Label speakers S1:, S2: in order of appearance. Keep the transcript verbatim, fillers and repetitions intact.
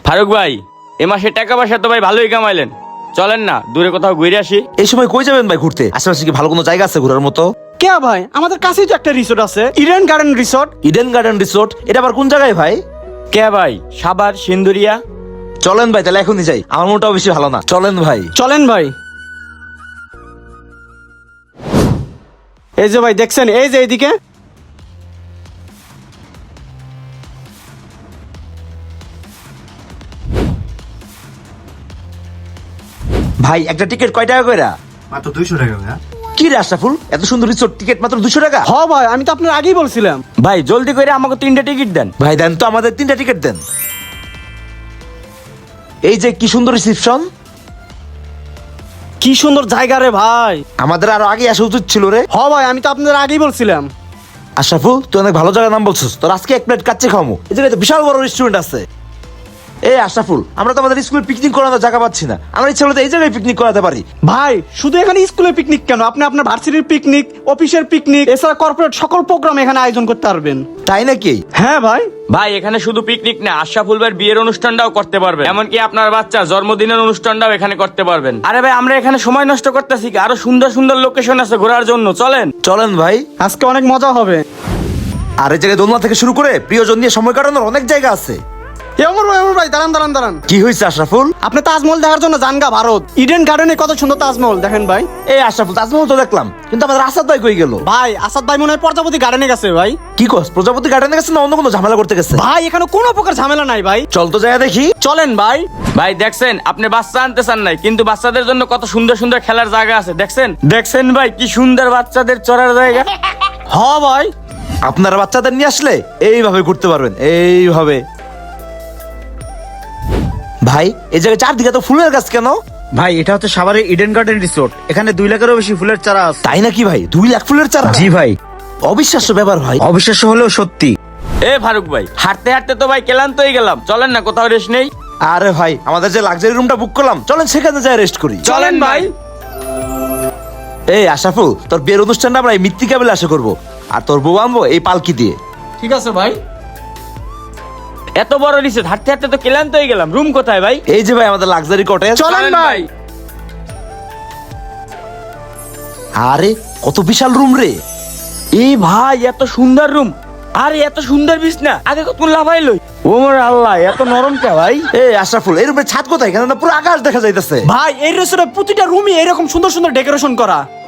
S1: ফারুক ভাই এ মাসে টাকা পয়সা তো ভাই ভালোই কামাইলেন, চলেন না দূরে কোথাও ঘুরে আসি।
S2: এই সময় কই যাবেন ভাই ঘুরতে? আশেপাশে কি ভালো কোনো জায়গা আছে ঘোরার মতো?
S3: কে ভাই, আমাদের কাছেই তো একটা রিসোর্ট আছে, Eden garden resort.
S2: Eden garden resort, এটা আবার কোন জায়গায় ভাই?
S1: কে ভাই? সাভার সিন্দুরিয়া।
S2: চলেন ভাই তাহলে এখনই যাই, আমার মনটাও বেশি ভালো না। চলেন ভাই।
S3: চলেন ভাই। এই যে ভাই দেখছেন, এই যে এইদিকে।
S2: ভাই একটা টিকিট কয় টাকা কইরা?
S4: মাত্র দুইশো টাকা ভাইয়া।
S2: কি রে আশরাফুল, এত সুন্দর রিসোর্ট টিকিট মাত্র দুশো টাকা?
S3: হ ভাই, আমি তো আপনার আগেই বলছিলাম।
S1: ভাই জলদি করে আমাকে তিনটা টিকিট দেন।
S2: ভাই দেন তো, আমাদের তিনটা টিকিট দেন। এই যে কি সুন্দর রিসেপশন।
S3: কি সুন্দর জায়গা রে ভাই।
S2: আমাদের আরো আগে আসা উচিত ছিল রে।
S3: হ ভাই, আমি তো আপনার আগেই বলছিলাম।
S2: আশরাফুল তুই অনেক ভালো জায়গার নাম বলছিস, তোর আজকে এক প্লেট কাচ্চি খাওয়ামু। এই জায়গায় তো বিশাল বড় রেস্টুরেন্ট আছে। এই আশরাফুল, আমরা তো আমাদের স্কুলে পিকনিক করানোর জায়গা পাচ্ছি না, আমরা ইচ্ছা হলে তো এই জায়গায় পিকনিক করাতে পারি।
S3: ভাই শুধু এখানে স্কুলের পিকনিক কেন, আপনি আপনার ভার্সিটির পিকনিক, অফিসের পিকনিক, এছাড়া কর্পোরেট সকল প্রোগ্রাম এখানে আয়োজন করতে পারবেন।
S2: তাই নাকি?
S3: হ্যাঁ ভাই।
S1: ভাই এখানে শুধু পিকনিক না, আশরাফুল ভাইয়ের বিয়ের অনুষ্ঠানটাও করতে পারবেন, এমনকি আপনার বাচ্চা জন্মদিনের অনুষ্ঠানটাও এখানে করতে পারবেন। আরে ভাই আমরা এখানে সময় নষ্ট করতেছি কি? আরো সুন্দর সুন্দর লোকেশন আছে ঘোরার জন্য, চলেন।
S2: চলেন ভাই।
S3: আজকে অনেক মজা হবে।
S2: আর এই জায়গায় দোলনা থেকে শুরু করে প্রিয়জন নিয়ে সময় কাটানোর অনেক জায়গা আছে।
S3: এ অমর ভাই, অমর ভাই দাঁড়ান দাঁড়ান দাঁড়ান।
S2: কি হয়েছে আশরাফুল?
S3: আপনি তাজমহল দেখার জন্য জানগা ভারত। ইডেন গার্ডেনে কত সুন্দর তাজমহল, দেখেন ভাই।
S2: এই আশরাফুল, তাজমহল তো দেখলাম, কিন্তু আমাদের আসাদ ভাই কই গেল?
S3: ভাই আসাদ ভাই মনে হয় প্রজাপতি গার্ডেনে গেছে ভাই।
S2: কি কস, প্রজাপতি গার্ডেনে গেছে না অন্য কোনো ঝামেলা করতে গেছে?
S3: ভাই এখানে কোনো প্রকার ঝামেলা নাই ভাই।
S2: চল তো যাই দেখি।
S3: চলেন ভাই।
S1: ভাই দেখছেন, আপনি বাচ্চা আনতে চান নাই, কিন্তু বাচ্চাদের জন্য কত সুন্দর সুন্দর খেলার জায়গা আছে, দেখছেন? দেখছেন ভাই কি সুন্দর বাচ্চাদের চড়ার জায়গা।
S3: হ ভাই।
S2: আপনারা বাচ্চাদের নিয়ে আসলে এইভাবে ঘুরতে পারবেন, এইভাবে। ভাই এই জায়গায় চারদিকে তো ফুলের গাছ কেন?
S4: ভাই এটা হচ্ছে সাভারের ইডেন গার্ডেন রিসোর্ট, এখানে দুই লাখেরও বেশি ফুলের চারা আছে।
S2: তাই নাকি ভাই? দুই লাখ ফুলের চারা?
S4: জি ভাই,
S2: অবিশ্বাস্য ব্যাপার ভাই।
S4: অবিশ্বাস্য হলেও সত্যি।
S1: এ ফারুক ভাই, হাঁটতে হাঁটতে তো ভাই ক্লান্ত হয়ে গেলাম, চলেন না কোথাও রেস্ট নেই।
S2: আরে ভাই আমাদের যে লাক্সারি রুমটা বুক করলাম, চলেন সেখানে যাই রেস্ট করি।
S1: চলেন ভাই।
S2: এই আশরাফুল, তোর বিয়ের অনুষ্ঠানটা আমরা এই মৃত্তিকা বেলা আশা করবো, আর তোর বউ আনবো এই পালকি দিয়ে।
S3: ঠিক আছে ভাই।
S1: এত বড় রিসোর্ট, হাঁটতে হাঁটতে তো ক্লান্ত হয়ে গেলাম, রুম কোথায় ভাই?
S2: এই যে ভাই আমাদের লাক্সারি কটেজ।
S3: চলেন ভাই।
S2: আরে কত বিশাল রুম রে।
S1: এই ভাই এত সুন্দর রুম, আরে এত সুন্দর বিছনা, আগে কত লাফাইলো। ও মোর আল্লাহ, এত নরম কে ভাই?
S2: এই আশরাফুল, এই রুমের ছাদ কোথায়? এখানে না পুরো আকাশ দেখা যাইতেছে।
S3: ভাই এই রেস্টুরেন্টে প্রতিটা রুমই এরকম সুন্দর সুন্দর ডেকোরেশন করা।